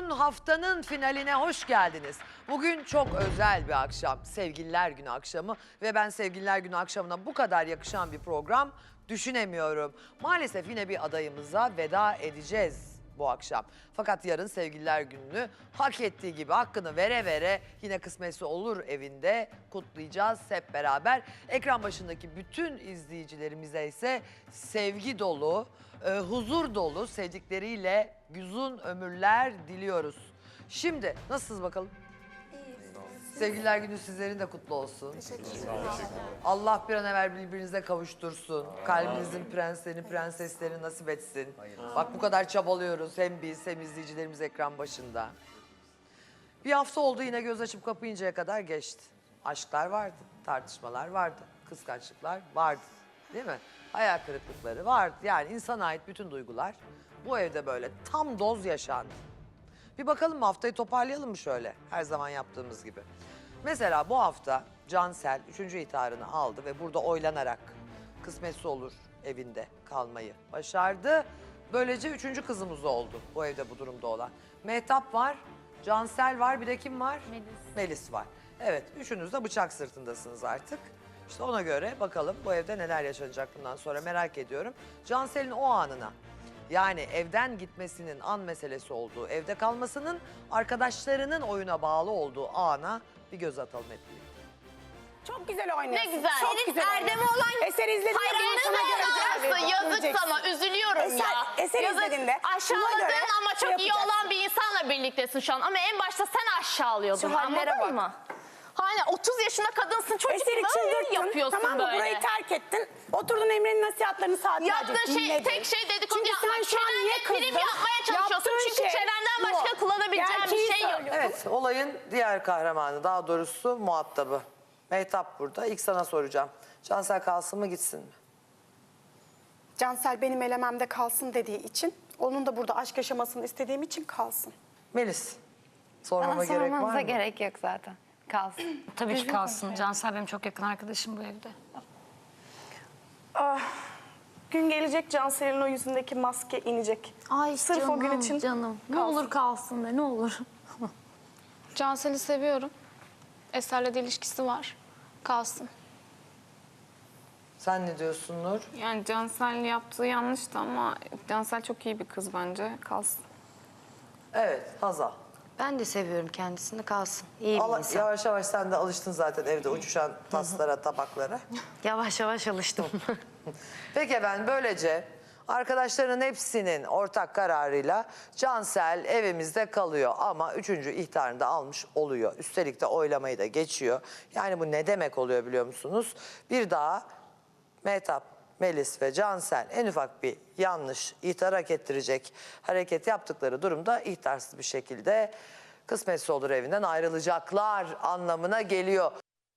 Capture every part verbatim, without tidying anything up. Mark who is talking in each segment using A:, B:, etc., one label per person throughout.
A: Buyurun, haftanın finaline hoş geldiniz. Bugün çok özel bir akşam. Sevgililer Günü akşamı ve ben Sevgililer Günü akşamına bu kadar yakışan bir program düşünemiyorum. Maalesef yine bir adayımıza veda edeceğiz bu akşam. Fakat yarın Sevgililer Günü'nü hak ettiği gibi hakkını vere vere yine kısmetse olur evinde kutlayacağız hep beraber. Ekran başındaki bütün izleyicilerimize ise sevgi dolu, e, huzur dolu, sevdikleriyle uzun ömürler diliyoruz. Şimdi nasılsınız bakalım? Sevgililer Günü sizlerin de kutlu olsun.
B: Teşekkür ederim.
A: Allah bir an evvel birbirinize kavuştursun. Kalbinizin prenslerini, prenseslerini nasip etsin. Bak bu kadar çabalıyoruz hem biz hem izleyicilerimiz ekran başında. Bir hafta oldu yine göz açıp kapayıncaya kadar geçti. Aşklar vardı, tartışmalar vardı, kıskançlıklar vardı. Değil mi? Hayal kırıklıkları vardı. Yani insana ait bütün duygular bu evde böyle tam doz yaşandı. Bir bakalım mı, haftayı toparlayalım mı şöyle her zaman yaptığımız gibi. Mesela bu hafta Cansel üçüncü ihtarını aldı ve burada oylanarak kısmetse olur evinde kalmayı başardı. Böylece üçüncü kızımız oldu bu evde bu durumda olan. Mehtap var, Cansel var, bir de kim var?
C: Melis.
A: Melis var. Evet, üçünüz de bıçak sırtındasınız artık. İşte ona göre bakalım bu evde neler yaşanacak bundan sonra merak ediyorum. Cansel'in o anına, yani evden gitmesinin an meselesi olduğu, evde kalmasının arkadaşlarının oyuna bağlı olduğu ana bir göz atalım hep birlikte.
B: Çok güzel oynuyorsun.
C: Ne güzel.
B: Çok
C: Senin
B: güzel
C: Erdem'e
B: oynuyorsun.
C: olan
B: Eser izlediğinde ben
C: hayranlığına
B: sana göreceğim.
C: yararsın. Yazık
B: Göreceksin.
C: sana. Üzülüyorum
B: Eser-
C: ya.
B: Eser
C: Yazık.
B: izlediğinde buna
C: Aşağıladığın
B: göre
C: ama
B: şey
C: çok iyi
B: yapacaksın.
C: olan bir insanla birliktesin şu an. Ama en başta sen aşağılıyordun.
B: Şu hallere
C: Anladın
B: bak.
C: mı? Hani otuz yaşında kadınsın, çocuk
B: Eser'i
C: gibi
B: çıldırttın.
C: yapıyorsun
B: Tamam mı?
C: böyle.
B: Burayı terk ettin. Oturdun Emre'nin nasihatlerini saatlerce
C: Yaptığın şey,
B: dinledin.
C: tek şey dedikodu
B: Çünkü
C: yapmak.
B: sen şu an niye
C: Çenenle prim
B: kızdın?
C: yapmaya çalışıyorsun.
B: Yaptığın
C: Çünkü
B: şey
C: çenenden
B: bu.
C: başka kullanabileceğin bir
B: Gerçeği
C: şey yok.
B: söylüyorsun.
A: Evet, olayın diğer kahramanı, daha doğrusu muhatabı. Mehtap burada. İlk sana soracağım. Cansel kalsın mı gitsin mi?
B: Cansel benim elememde kalsın dediği için, onun da burada aşk yaşamasını istediğim için kalsın.
A: Melis, sormama
D: Bana
A: gerek var
D: sormanıza
A: mı?
D: gerek yok zaten. Kalsın.
E: Tabii ki kalsın. Cansel benim çok yakın arkadaşım bu evde.
F: Gün gelecek Cansel'in o yüzündeki maske inecek.
E: Ay
F: Sırf
E: canım,
F: o gün için
E: canım. Ne
F: kalsın.
E: olur kalsın de, ne olur.
G: Cansel'i seviyorum. Eser'le de ilişkisi var. Kalsın.
A: Sen ne diyorsun Nur?
G: Yani Cansel yaptığı yanlıştı ama Cansel çok iyi bir kız bence. Kalsın.
A: Evet, Hazal.
D: Ben de seviyorum kendisini, kalsın. İyi bir
A: Allah,
D: insan.
A: yavaş yavaş sen de alıştın zaten evde uçuşan taslara, tabaklara.
D: Yavaş yavaş alıştım.
A: Peki efendim, böylece arkadaşların hepsinin ortak kararıyla Cansel evimizde kalıyor ama üçüncü ihtarını da almış oluyor. Üstelik de oylamayı da geçiyor. Yani bu ne demek oluyor biliyor musunuz? Bir daha Mehtap, Melis ve Cansel en ufak bir yanlış ihtar hak ettirecek hareket yaptıkları durumda ihtarsız bir şekilde kısmetse olur evinden ayrılacaklar anlamına geliyor.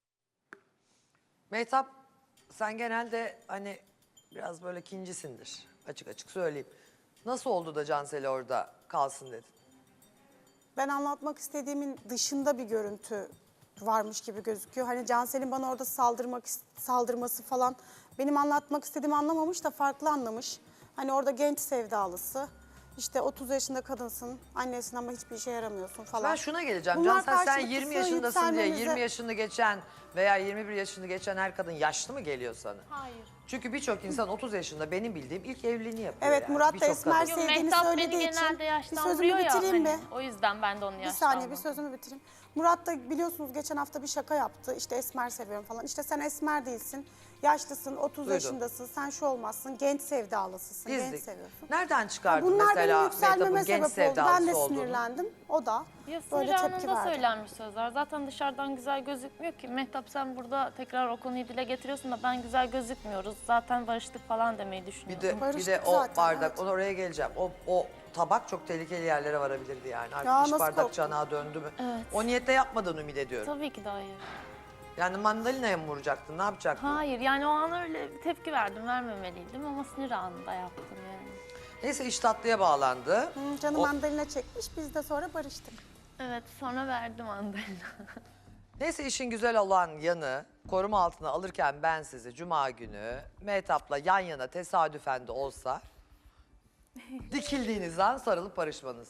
A: Mehtap, sen genelde hani biraz böyle kincisindir, açık açık söyleyeyim. Nasıl oldu da Cansel'i orada kalsın dedin?
B: Ben anlatmak istediğimin dışında bir görüntü varmış gibi gözüküyor. Hani Cansel'in bana orada saldırmak saldırması falan benim anlatmak istediğimi anlamamış da farklı anlamış. Hani orada genç sevdalısı. İşte otuz yaşında kadınsın, annesin ama hiçbir işe yaramıyorsun falan.
A: Ben şuna geleceğim.
B: Bunlar
A: Cansel sen
B: karşılıklı
A: yirmi yaşındasın diye
B: yükselmemize-
A: yirmi yaşını geçen veya yirmi bir yaşını geçen her kadın yaşlı mı geliyor sana?
C: Hayır.
A: Çünkü birçok insan otuz yaşında benim bildiğim ilk evliliğini yapıyor.
B: Evet,
A: yani.
B: Murat da
A: Birçok
B: Esmer
A: kadın.
C: Yok,
B: sevdiğini
C: Mehtap beni
B: söylediği için
C: genelde
B: bir
C: yaşlandırıyor
B: sözümü
C: ya.
B: bitireyim
C: Hani,
B: mi?
C: o yüzden ben de onu
B: Bir
C: yaşlandım.
B: saniye bir sözümü bitireyim. Murat da biliyorsunuz geçen hafta bir şaka yaptı. İşte Esmer seviyorum falan. İşte sen Esmer değilsin. Yaşlısın, otuz
A: Duydum.
B: yaşındasın. Sen şu olmazsın. Genç sevdalısısın. Genç
A: İzdik.
B: seviyorsun.
A: Nereden çıkardın
B: Bunlar
A: mesela
B: benim yükselmeme
A: Mehtap'ın genç
B: sebep oldu. Ben de
A: sevdalısı olduğunu?
B: sinirlendim. O da
C: Ya
B: böyle
C: sinir
B: tepki
C: anında
B: verdi.
C: söylenmiş sözler. Zaten dışarıdan güzel gözükmüyor ki. Mehtap sen burada tekrar o konuyu dile getiriyorsun da ben güzel gözükmüyoruz. Zaten barıştık falan demeyi
A: Bir
C: düşünüyorum.
A: de, bir de
B: Barıştık
A: o
B: zaten,
A: bardak,
B: evet.
A: onu oraya geleceğim. O, o tabak çok tehlikeli yerlere varabilirdi yani. Artık
B: Ya
A: iş
B: nasıl
A: bardak
B: korktun?
A: çanağa döndü mü?
C: Evet.
A: O niyetle yapmadığını ümit ediyorum.
C: Tabii ki de hayır.
A: Yani mandalinaya mı vuracaktın, ne yapacaktın?
C: Hayır yani o an öyle bir tepki verdim, vermemeliydim ama sinir anında yaptım yani.
A: Neyse iş tatlıya bağlandı.
B: Hı, canım
A: O-
B: mandalina çekmiş. Biz de sonra barıştık.
C: Evet sonra verdim mandalina.
A: Neyse işin güzel olan yanı, koruma altına alırken ben sizi Cuma günü Mehtap'la yan yana tesadüfen de olsa dikildiğiniz an sarılıp barışmanız.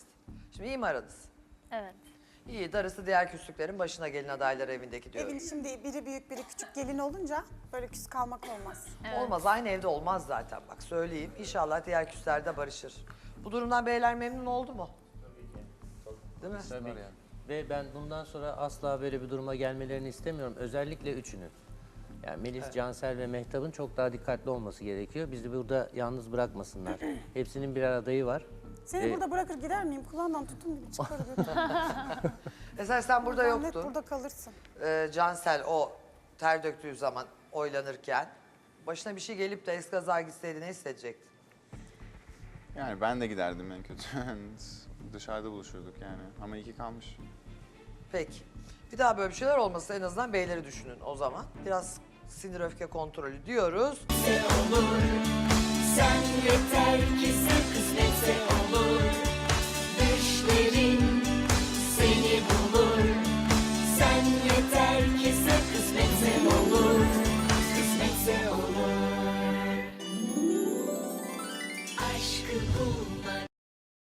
A: Şimdi iyi mi aranız?
C: Evet.
A: İyi, darısı diğer küslüklerin başına gelin adayları evindeki diyorum.
B: Evin şimdi biri büyük biri küçük gelin olunca böyle küs kalmak olmaz.
A: Olmaz, aynı evde olmaz zaten bak söyleyeyim. İnşallah diğer küsler de barışır. Bu durumdan beyler memnun oldu mu? Değil mi?
H: Tabii. Ve ben bundan sonra asla böyle bir duruma gelmelerini istemiyorum. Özellikle üçünün. Yani Melis, Cansel ve Mehtap'ın çok daha dikkatli olması gerekiyor. Bizi burada yalnız bırakmasınlar. Hepsinin birer adayı var.
B: Seni
H: Ee,
B: burada bırakır gider miyim? Kulağından tutun gibi çıkar götürürüm.
A: Mesela sen burada
B: Sen net
A: yoktun.
B: burada kalırsın.
A: Ee, Cansel o ter döktüğü zaman oylanırken başına bir şey gelip de eskaza gitseydi ne hissedecektin?
I: Yani ben de giderdim en kötü. Dışarıda buluşurduk yani. Ama iki kalmış.
A: Peki. Bir daha böyle bir şeyler olmasa en azından beyleri düşünün o zaman. Biraz sinir öfke kontrolü diyoruz.
J: Sen yeter ki sen kısmetse olur. Düşlerin seni bulur. Sen yeter ki sen kısmetse olur. Kısmetse olur. Aşkı bul.